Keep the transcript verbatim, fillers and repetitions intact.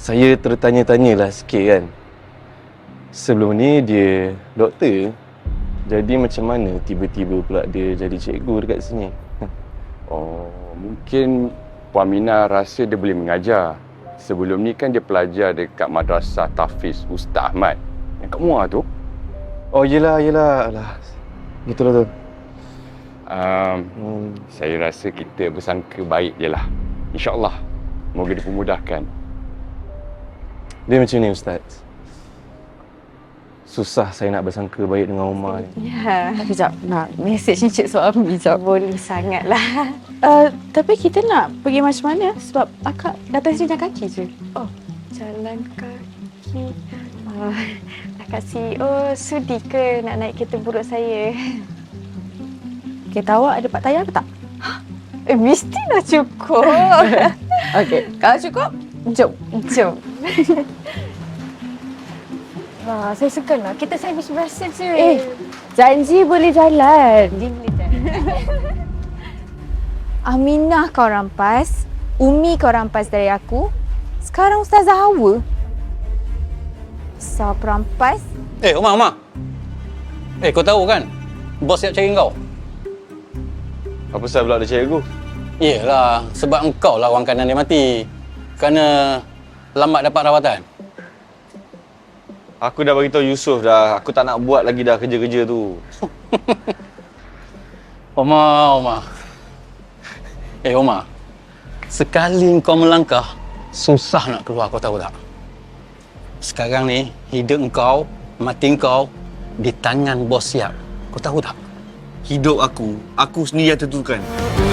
Saya tertanya-tanyalah sikit kan. Sebelum ni dia doktor. Jadi macam mana tiba-tiba pula dia jadi cikgu dekat sini? Oh, mungkin Puan Mina rasa dia boleh mengajar. Sebelum ni kan dia pelajar dekat Madrasah Tahfiz Ustaz Ahmad yang kat Muar tu. Oh, yelah, yelah. Alah. Betul lah tu. Um, Hmm. saya rasa kita bersangka baik je lah. InsyaAllah. Moga dipermudahkan. Dia macam ni, Ustaz. Susah saya nak bersangka baik dengan Umar ni. Ya. Sekejap, nak mesej Encik Suami sekejap. Boleh sangatlah. Uh, tapi kita nak pergi macam mana? Sebab akak datang sini jalan kaki je. Oh, jalan kaki. Oh, Akak C E O sudi ke nak naik kereta buruk saya? Kereta awak ada part tayar ke tak? Eh, mestilah cukup. Okey, kalau cukup, jom. Jom. Wah, saya segan lah. Kita servis biasa je. Eh, janji boleh jalan. dia boleh jalan. Aminah kau rampas, Umi kau rampas dari aku. Sekarang Ustazah Hawa. Besar perampas. Eh, Umar, Umar. Eh, kau tahu kan? Bos siap cari kau. Apa pasal pula ada cikgu? Yelah, sebab engkau lah orang kanan dia mati. Kerana lambat dapat rawatan. Aku dah beritahu Yusof dah. Aku tak nak buat lagi dah kerja-kerja tu. Umar, Umar. Eh, Umar. Sekali kau melangkah, susah nak keluar, kau tahu tak? Sekarang ni, hidup engkau, mati engkau di tangan bos siap. Kau tahu tak? Hidup aku, aku sendiri yang tentukan.